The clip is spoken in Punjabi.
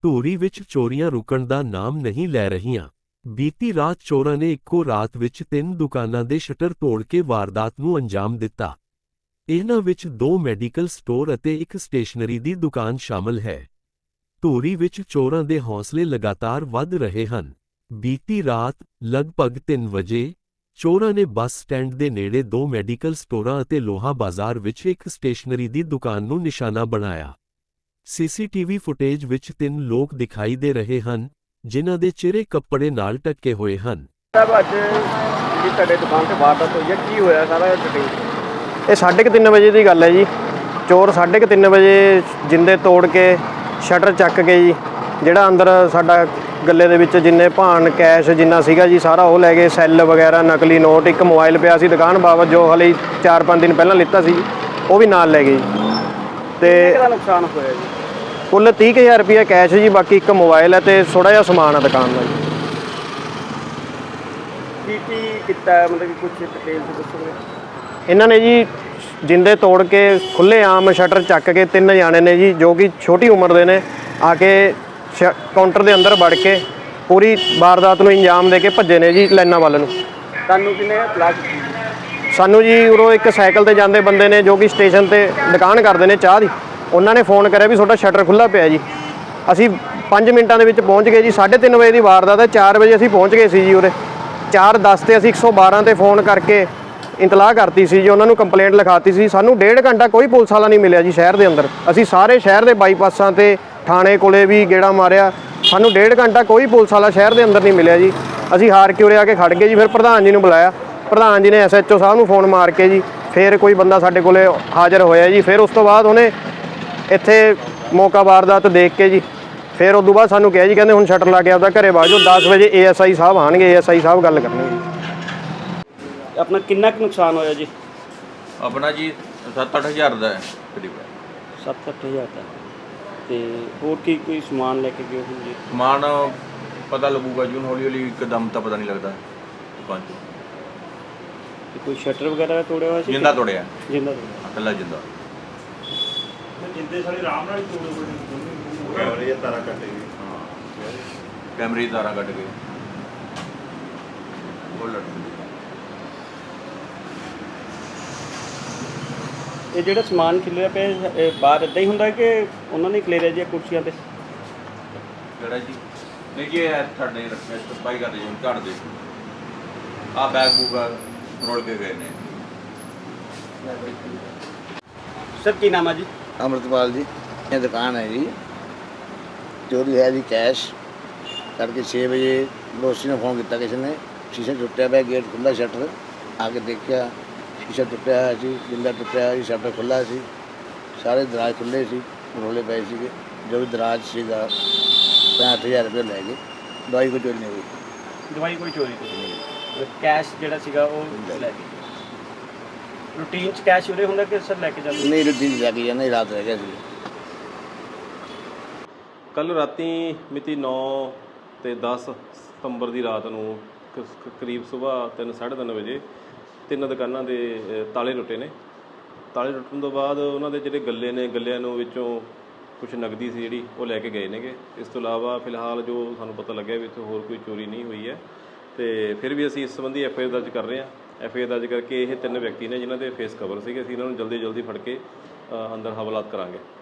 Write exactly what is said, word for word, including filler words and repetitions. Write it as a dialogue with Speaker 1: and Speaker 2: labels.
Speaker 1: ਧੂਰੀ ਵਿੱਚ ਚੋਰੀਆਂ ਰੁਕਣ ਦਾ ਨਾਮ ਨਹੀਂ ਲੈ ਰਹੀਆਂ। ਬੀਤੀ ਰਾਤ ਚੋਰਾਂ ਨੇ ਇੱਕੋ ਰਾਤ ਵਿੱਚ ਤਿੰਨ ਦੁਕਾਨਾਂ ਦੇ ਸ਼ਟਰ ਤੋੜ ਕੇ ਵਾਰਦਾਤ ਨੂੰ ਅੰਜਾਮ ਦਿੱਤਾ। ਇਹਨਾਂ ਵਿੱਚ ਦੋ ਮੈਡੀਕਲ ਸਟੋਰ ਅਤੇ ਇੱਕ ਸਟੇਸ਼ਨਰੀ ਦੀ ਦੁਕਾਨ ਸ਼ਾਮਲ ਹੈ। ਧੂਰੀ ਵਿੱਚ ਚੋਰਾਂ ਦੇ ਹੌਸਲੇ ਲਗਾਤਾਰ ਵੱਧ ਰਹੇ ਹਨ। ਬੀਤੀ ਰਾਤ ਲਗਭਗ ਤਿੰਨ ਵਜੇ ਚੋਰਾਂ ਨੇ ਬੱਸ ਸਟੈਂਡ ਦੇ ਨੇੜੇ ਦੋ ਮੈਡੀਕਲ ਸਟੋਰਾਂ ਅਤੇ ਲੋਹਾ ਬਾਜ਼ਾਰ ਵਿੱਚ ਇੱਕ ਸਟੇਸ਼ਨਰੀ ਦੀ ਦੁਕਾਨ ਨੂੰ ਨਿਸ਼ਾਨਾ ਬਣਾਇਆ। ਸੀਸੀਟੀਵੀ ਫੁਟੇਜ ਵਿੱਚ ਤਿੰਨ ਲੋਕ ਦਿਖਾਈ ਦੇ ਰਹੇ ਹਨ, ਜਿਨ੍ਹਾਂ ਦੇ ਚਿਹਰੇ ਕੱਪੜੇ ਨਾਲ ਢੱਕੇ ਹੋਏ ਹਨ।
Speaker 2: ਅੱਜ ਜਿਹੜੀ ਤੁਹਾਡੇ ਦੁਕਾਨ ਤੇ ਵਾਰਦਾਤ ਹੋਈ ਹੈ, ਕੀ ਹੋਇਆ ਸਾਰਾ ਡਿਟੇਲ?
Speaker 3: ਇਹ ਸਾਢੇ ਕੁ ਤਿੰਨ ਵਜੇ ਦੀ ਗੱਲ ਹੈ ਜੀ। ਚੋਰ ਸਾਢੇ ਕੁ ਤਿੰਨ ਵਜੇ ਜਿੰਦੇ ਤੋੜ ਕੇ ਸ਼ਟਰ ਚੱਕ ਕੇ ਜੀ, ਜਿਹੜਾ ਅੰਦਰ ਸਾਡਾ ਗੱਲੇ ਦੇ ਵਿੱਚ ਜਿੰਨੇ ਭਾਣ ਕੈਸ਼ ਜਿੰਨਾ ਸੀਗਾ ਜੀ ਸਾਰਾ ਉਹ ਲੈ ਗਏ। ਸੈੱਲ ਵਗੈਰਾ, ਨਕਲੀ ਨੋਟ, ਇੱਕ ਮੋਬਾਈਲ ਪਿਆ ਸੀ ਦੁਕਾਨ ਬਾਬਤ ਜੋ ਹਲੇ ਚਾਰ ਪੰਜ ਦਿਨ ਪਹਿਲਾਂ ਲਿੱਤਾ ਸੀ, ਉਹ ਵੀ ਨਾਲ ਲੈ ਗਏ ਜੀ। ਤੇ
Speaker 2: ਕਿੰਨਾ ਨੁਕਸਾਨ ਹੋਇਆ ਜੀ?
Speaker 3: ਕੁੱਲ ਤੀਹ ਕੁ ਹਜ਼ਾਰ ਰੁਪਈਆ ਕੈਸ਼ ਜੀ, ਬਾਕੀ ਇੱਕ ਮੋਬਾਈਲ ਹੈ ਤੇ ਥੋੜ੍ਹਾ ਜਿਹਾ ਸਮਾਨ ਹੈ ਦੁਕਾਨ ਦਾ ਜੀ।
Speaker 2: ਕੀ ਕੀ ਕੀਤਾ, ਮਤਲਬ ਕਿ ਕੁਝ ਡਿਟੇਲ ਦੱਸੋਗੇ?
Speaker 3: ਇਹਨਾਂ ਨੇ ਜੀ ਜਿੰਦੇ ਤੋੜ ਕੇ ਖੁੱਲ੍ਹੇ ਆਮ ਸ਼ਟਰ ਚੱਕ ਕੇ ਤਿੰਨ ਜਾਣੇ ਨੇ ਜੀ, ਜੋ ਕਿ ਛੋਟੀ ਉਮਰ ਦੇ ਨੇ, ਆ ਕੇ ਸ਼ ਕਾਊਂਟਰ ਦੇ ਅੰਦਰ ਵੜ ਕੇ ਪੂਰੀ ਵਾਰਦਾਤ ਨੂੰ ਇੰਜਾਮ ਦੇ ਕੇ ਭੱਜੇ ਨੇ ਜੀ ਲਾਈਨਾਂ ਵੱਲ ਨੂੰ।
Speaker 2: ਤੁਹਾਨੂੰ ਕਿੰਨੇ ਇਤਲਾਹ ਕੀਤੀ?
Speaker 3: ਸਾਨੂੰ ਜੀ ਉਰੋਂ ਇੱਕ ਸਾਈਕਲ ਤੇ ਜਾਂਦੇ ਬੰਦੇ ਨੇ ਜੋ ਕਿ ਸਟੇਸ਼ਨ ਤੇ ਦੁਕਾਨ ਕਰਦੇ ਨੇ ਚਾਹ ਦੀ, ਉਹਨਾਂ ਨੇ ਫੋਨ ਕਰਿਆ ਵੀ ਤੁਹਾਡਾ ਸ਼ਟਰ ਖੁੱਲ੍ਹਾ ਪਿਆ ਜੀ। ਅਸੀਂ ਪੰਜ ਮਿੰਟਾਂ ਦੇ ਵਿੱਚ ਪਹੁੰਚ ਗਏ ਜੀ। ਸਾਢੇ ਤਿੰਨ ਵਜੇ ਦੀ ਵਾਰਦਾਤ ਹੈ, ਚਾਰ ਵਜੇ ਅਸੀਂ ਪਹੁੰਚ ਗਏ ਸੀ ਜੀ ਉਰੇ। ਚਾਰ ਦਸ 'ਤੇ ਅਸੀਂ ਇੱਕ ਸੌ ਬਾਰਾਂ 'ਤੇ ਫੋਨ ਕਰਕੇ ਇਤਲਾਹ ਕਰਤੀ ਸੀ ਜੀ, ਉਹਨਾਂ ਨੂੰ ਕੰਪਲੇਂਟ ਲਿਖਾਤੀ ਸੀ। ਸਾਨੂੰ ਡੇਢ ਘੰਟਾ ਕੋਈ ਪੁਲਿਸ ਵਾਲਾ ਨਹੀਂ ਮਿਲਿਆ ਜੀ ਸ਼ਹਿਰ ਦੇ ਅੰਦਰ। ਅਸੀਂ ਸਾਰੇ ਸ਼ਹਿਰ ਦੇ ਬਾਈਪਾਸਾਂ 'ਤੇ ਥਾਣੇ ਕੋਲੇ ਵੀ ਗੇੜਾ ਮਾਰਿਆ, ਸਾਨੂੰ ਡੇਢ ਘੰਟਾ ਕੋਈ ਪੁਲਿਸ ਵਾਲਾ ਸ਼ਹਿਰ ਦੇ ਅੰਦਰ ਨਹੀਂ ਮਿਲਿਆ ਜੀ। ਅਸੀਂ ਹਾਰ ਕੇ ਉਰੇ ਆ ਕੇ ਖੜ ਗਏ ਜੀ। ਫਿਰ ਪ੍ਰਧਾਨ ਜੀ ਨੂੰ ਬੁਲਾਇਆ, ਪ੍ਰਧਾਨ ਜੀ ਨੇ ਐਸ ਐਚ ਓ ਸਾਹਿਬ ਨੂੰ ਫੋਨ ਮਾਰ ਕੇ ਜੀ ਫਿਰ ਕੋਈ ਬੰਦਾ ਸਾਡੇ ਕੋਲੇ ਹਾਜ਼ਰ ਹੋਇਆ ਜੀ। ਫਿਰ ਉਸ ਤੋਂ ਬਾਅਦ ਉਹਨੇ ਇੱਥੇ ਮੌਕਾ ਵਾਰਦਾਤ ਦੇਖ ਕੇ ਜੀ ਫਿਰ ਉਸ ਤੋਂ ਬਾਅਦ ਸਾਨੂੰ ਕਿਹਾ ਜੀ, ਕਹਿੰਦੇ ਹੁਣ ਸ਼ਟਰ ਲਾ ਕੇ ਆਪਦਾ ਘਰੇ ਬਾਜੋ, ਦਸ ਵਜੇ ਏ ਐਸ ਆਈ ਸਾਹਿਬ ਆਉਣਗੇ, ਏ ਐਸ ਆਈ ਸਾਹਿਬ ਗੱਲ ਕਰਨਗੇ ਜੀ।
Speaker 2: ਆਪਣਾ ਕਿੰਨਾ ਕੁ ਨੁਕਸਾਨ ਹੋਇਆ ਜੀ?
Speaker 4: ਆਪਣਾ ਜੀ ਸੱਤ ਅੱਠ ਹਜ਼ਾਰ ਦਾ ਹੈ ਕਰੀਬ।
Speaker 2: ਸੱਤ ਅੱਠ ਹਜ਼ਾਰ ਦਾ। ਤੇ ਹੋਰ ਕੀ ਕੋਈ ਸਮਾਨ ਲੈ ਕੇ ਗਏ ਹੋ ਜੀ?
Speaker 4: ਸਮਾਨ ਪਤਾ ਲੱਗੂਗਾ ਜੀ, ਹੌਲੀ ਹੌਲੀ ਇੱਕਦਮ ਤਾਂ ਪਤਾ ਨਹੀਂ ਲੱਗਦਾ ਦੁਕਾਨ 'ਚ।
Speaker 2: ਤੇ ਕੋਈ ਸ਼ਟਰ ਵਗੈਰਾ ਤੋੜਿਆ ਹੋਇਆ ਸੀ?
Speaker 4: ਜਿੰਦਾ ਤੋੜਿਆ,
Speaker 2: ਜਿੰਦਾ ਤੋੜਿਆ,
Speaker 4: ਇਕੱਲਾ ਜਿੰਦਾ।
Speaker 2: ਜਿੰਦੇ ਸਾਰੇ ਆਰਾਮ ਨਾਲ ਤੋੜੇ ਹੋਏ, ਕੈਮਰੇ ਦੀਆਂ ਤਾਰਾਂ ਕੱਟ ਗਏ।
Speaker 4: ਹਾਂ, ਕੈਮਰੇ ਦੀਆਂ ਤਾਰਾਂ ਕੱਟ ਗਏ। ਉਹ ਲੜ
Speaker 2: ਇਹ ਜਿਹੜਾ ਸਮਾਨ ਖਿਲਰਿਆ ਪਿਆ ਇਹ ਬਾਹਰ ਇੱਦਾਂ ਹੀ ਹੁੰਦਾ ਕਿ ਉਹਨਾਂ ਨੇ ਖਿਲਰਿਆ ਜੀ ਕੁਰਸੀਆਂ 'ਤੇ?
Speaker 4: ਕਿਹੜਾ ਜੀ? ਨਹੀਂ ਜੀ, ਇਹ ਸਾਡੇ ਰੱਖਿਆ ਸਫਾਈ ਕਰਦੇ ਜੀ, ਝਾੜ ਦੇ। ਆਹ ਬੈਗ ਬੂਗ ਰੋਲ ਕੇ ਗਏ ਨੇ।
Speaker 2: ਸਰ ਕੀ ਨਾਮ ਹੈ ਜੀ?
Speaker 5: ਅੰਮ੍ਰਿਤਪਾਲ ਜੀ। ਇਹ ਦੁਕਾਨ ਹੈ ਜੀ, ਚੋਰੀ ਹੈ ਜੀ ਕੈਸ਼। ਤੜਕੇ ਛੇ ਵਜੇ ਪੜੋਸੀ ਨੇ ਫੋਨ ਕੀਤਾ, ਕਿਸੇ ਨੇ ਸ਼ੀਸ਼ਾ ਟੁੱਟਿਆ ਪਿਆ, ਗੇਟ ਖੁੱਲ੍ਹਾ, ਸ਼ਟਰ ਆ ਕੇ ਦੇਖਿਆ ਸ਼ੀਸ਼ਾ ਟੁੱਟਿਆ ਹੋਇਆ ਸੀ, ਜਿੰਦਾ ਟੁੱਟਿਆ ਹੋਇਆ ਸੀ, ਸ਼ਟਰ ਖੁੱਲ੍ਹਾ ਸੀ, ਸਾਰੇ ਦਰਾਜ ਖੁੱਲ੍ਹੇ ਸੀ, ਰੋਲੇ ਪਏ ਸੀਗੇ। ਜੋ ਵੀ ਦਰਾਜ ਸੀਗਾ ਪੈਂਹਠ ਹਜ਼ਾਰ ਰੁਪਏ ਲੈ ਗਏ। ਦਵਾਈ ਕੋਈ ਚੋਰੀ ਨਹੀਂ ਹੋਈ।
Speaker 2: ਦਵਾਈ ਕੋਈ ਚੋਰੀ ਨਹੀਂ? ਕੈਸ਼ ਜਿਹੜਾ ਸੀਗਾ ਉਹ ਲੈ ਗਏ। ਰੂਟੀਨ 'ਚ ਕੈਸ਼ ਉਰੇ ਹੁੰਦਾ ਕਿ ਸਰ ਲੈ ਕੇ ਜਾਂਦੇ?
Speaker 5: ਨਹੀਂ, ਰੂਟੀਨ ਲੈ ਕੇ ਜਾਂਦੇ, ਰਾਤ ਰਹਿ ਗਿਆ ਸੀ।
Speaker 6: ਕੱਲ੍ਹ ਰਾਤੀ ਮਿਤੀ ਨੌ ਅਤੇ ਦਸ ਸਤੰਬਰ ਦੀ ਰਾਤ ਨੂੰ ਕਰੀਬ ਸੁਬਾਹ ਤਿੰਨ ਸਾਢੇ ਤਿੰਨ ਵਜੇ ਤਿੰਨ ਦੁਕਾਨਾਂ ਦੇ ਤਾਲੇ ਟੁੱਟੇ ਨੇ। ਤਾਲੇ ਟੁੱਟਣ ਤੋਂ ਬਾਅਦ ਉਹਨਾਂ ਦੇ ਜਿਹੜੇ ਗੱਲੇ ਨੇ, ਗੱਲਿਆਂ ਨੂੰ ਵਿੱਚੋਂ ਕੁਛ ਨਕਦੀ ਸੀ ਜਿਹੜੀ ਉਹ ਲੈ ਕੇ ਗਏ ਨੇਗੇ। ਇਸ ਤੋਂ ਇਲਾਵਾ ਫਿਲਹਾਲ ਜੋ ਸਾਨੂੰ ਪਤਾ ਲੱਗਿਆ ਵੀ ਇੱਥੇ ਹੋਰ ਕੋਈ ਚੋਰੀ ਨਹੀਂ ਹੋਈ ਹੈ। ਅਤੇ ਫਿਰ ਵੀ ਅਸੀਂ ਇਸ ਸੰਬੰਧੀ ਐਫ ਆਈ ਆਰ ਦਰਜ ਕਰ ਰਹੇ ਹਾਂ। ਐਫ ਆਈ ਆਰ ਦਰਜ ਕਰਕੇ ਇਹ ਤਿੰਨ ਵਿਅਕਤੀ ਨੇ ਜਿਨ੍ਹਾਂ ਦੇ ਫੇਸ ਕਵਰ ਸੀਗੇ, ਅਸੀਂ ਇਹਨਾਂ ਨੂੰ ਜਲਦੀ ਜਲਦੀ ਫੜ ਕੇ ਅੰਦਰ ਹਵਾਲਾਤ ਕਰਾਂਗੇ।